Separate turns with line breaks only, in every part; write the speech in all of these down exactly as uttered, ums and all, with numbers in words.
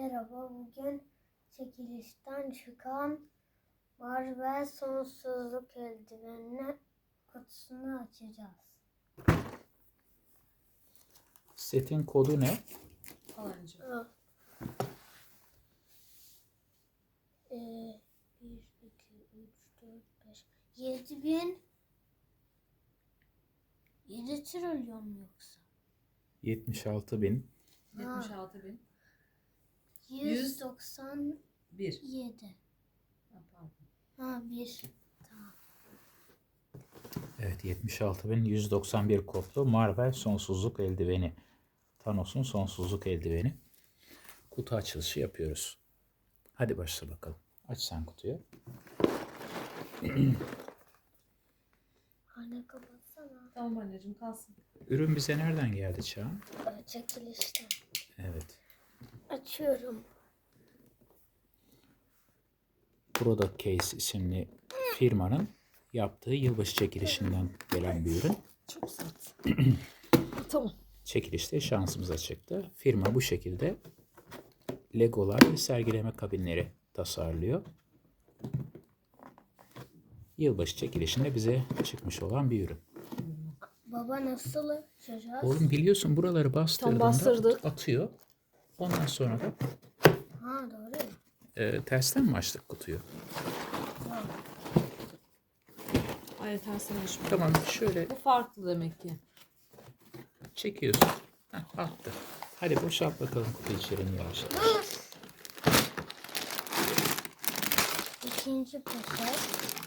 Merhaba, bugün çekilişten çıkan Marvel Sonsuzluk Eldiveni kutusunu açacağız.
Setin kodu ne?
Falanca. Ee, bir, iki, üç, dört, beş, yedi bin, yedi trilyon mu yoksa?
yetmiş altı bin.
yetmiş altı bin.
yüz doksan
bir.
yedi.
Ha, pardon.
Ha, bir. Tamam.
Evet, yetmiş altı bin yüz doksan bir kodlu Marvel Sonsuzluk Eldiveni. Thanos'un Sonsuzluk Eldiveni. Kutu açılışı yapıyoruz. Hadi başla bakalım. Aç sen kutuyu.
Anne kapatsana.
Tamam anneciğim, kalsın.
Ürün bize nereden geldi Çağan?
Ee, Çekilişten.
Evet.
Açıyorum.
Product Case isimli firmanın yaptığı yılbaşı çekilişinden gelen bir ürün.
Çok sert. Tamam.
Çekilişte şansımıza çıktı. Firma bu şekilde Legolar ve sergileme kabinleri tasarlıyor. Yılbaşı çekilişinde bize çıkmış olan bir ürün.
Baba nasıl açacağız?
Oğlum biliyorsun buraları bastırdığında
bastırdık.
atıyor. Ondan sonra da
Ha, doğru.
e, tersten mi açtık kutuyu?
Hayır, tersine düşmüyor.
Tamam, şöyle
Bu farklı demek ki.
çekiyorsun. Heh, attı. Hadi boşalt bakalım kutu içeriğini yavaş yavaş.
İkinci poşet.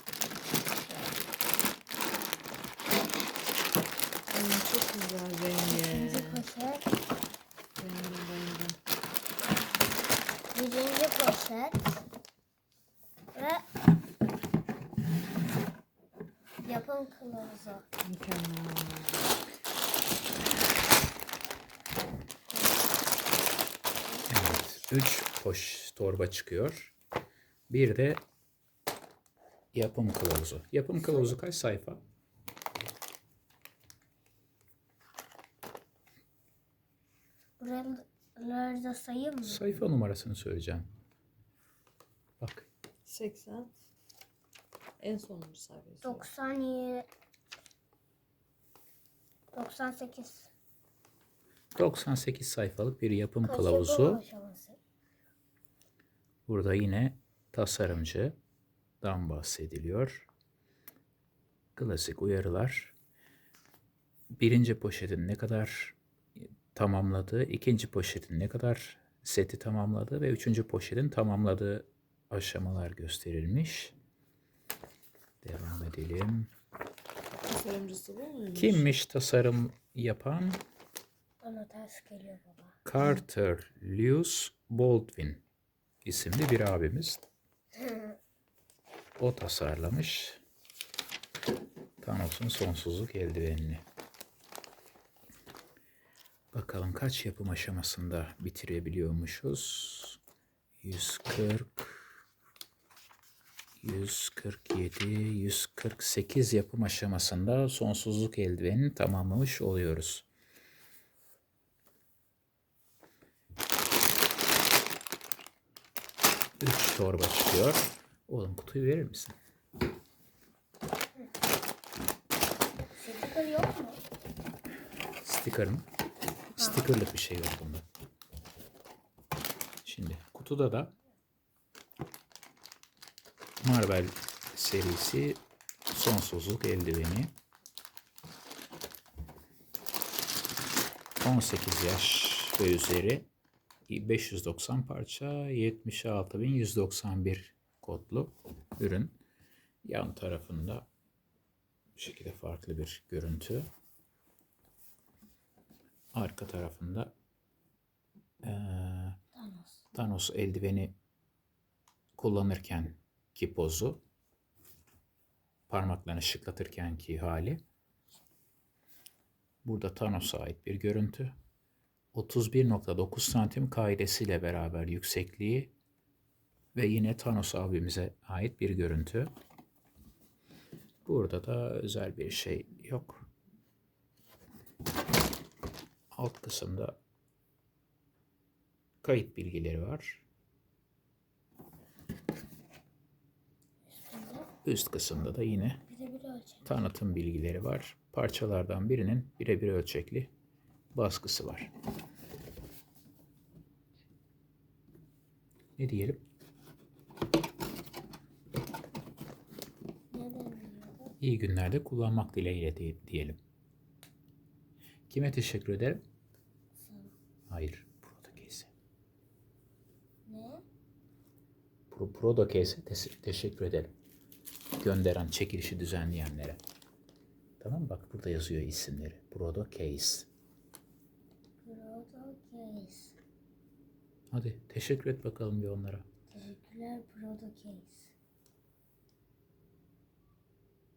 Ay, çok güzel rengi.
İkinci poşet.
Rengi rengi.
Birinci poşet. Ve yapım kılavuzu.
Mükemmel.
Evet. Üç poş torba çıkıyor. Bir de yapım kılavuzu. Yapım kılavuzu kaç sayfa?
Buraları da sayayım mı?
Sayfa numarasını söyleyeceğim. Bak.
seksen. En sonuncu sayfası.
doksan yedi. doksan sekiz.
doksan sekiz sayfalık bir yapım
Kaç
kılavuzu.
yapım aşaması?
Burada yine tasarımcıdan bahsediliyor. Klasik uyarılar. Birinci poşetin ne kadar tamamladığı, ikinci poşetin ne kadar seti tamamladığı ve üçüncü poşetin tamamladığı aşamalar gösterilmiş. Devam edelim.
Tasarımcısı bu muymuş?
Kimmiş tasarım yapan?
Bana ters geliyor baba.
Carter Lewis Baldwin isimli bir abimiz. O tasarlamış Thanos'un sonsuzluk eldivenini. Bakalım kaç yapım aşamasında bitirebiliyormuşuz? yüz kırk, yüz kırk yedi, yüz kırk sekiz yapım aşamasında sonsuzluk eldivenini tamamlamış oluyoruz. üç torba çıkıyor. Oğlum kutuyu verir misin?
Sticker yok mu?
Sticker mı? Stickerlık bir şey yok bunda. Şimdi kutuda da Marvel serisi sonsuzluk eldiveni. on sekiz yaş ve üzeri beş yüz doksan parça, yetmiş altı bin yüz doksan bir kodlu ürün. Yan tarafında bu şekilde farklı bir görüntü. Arka tarafında ee,
Thanos.
Thanos eldiveni kullanırken ki pozu, parmaklarını şıklatırken ki hali. Burada Thanos'a ait bir görüntü. otuz bir nokta dokuz santim kaidesiyle beraber yüksekliği ve yine Thanos abimize ait bir görüntü. Burada da özel bir şey yok. Alt kısımda Kayıt bilgileri var.
Üstünde
Üst kısımda da yine
bir de bir ölçek.
tanıtım bilgileri var. Parçalardan birinin birebir ölçekli baskısı var. Ne diyelim?
Ne deniyordu?
İyi günlerde kullanmak dileğiyle di- diyelim. Kime teşekkür ederim?
Sana.
Hayır. Prodocase'e.
Ne?
Pro, Prodocase'e tes- teşekkür ederim. Gönderen, çekilişi düzenleyenlere. Tamam, bak burada yazıyor isimleri. Prodocase.
Prodocase.
Hadi teşekkür et bakalım bir onlara.
Teşekkürler Prodocase.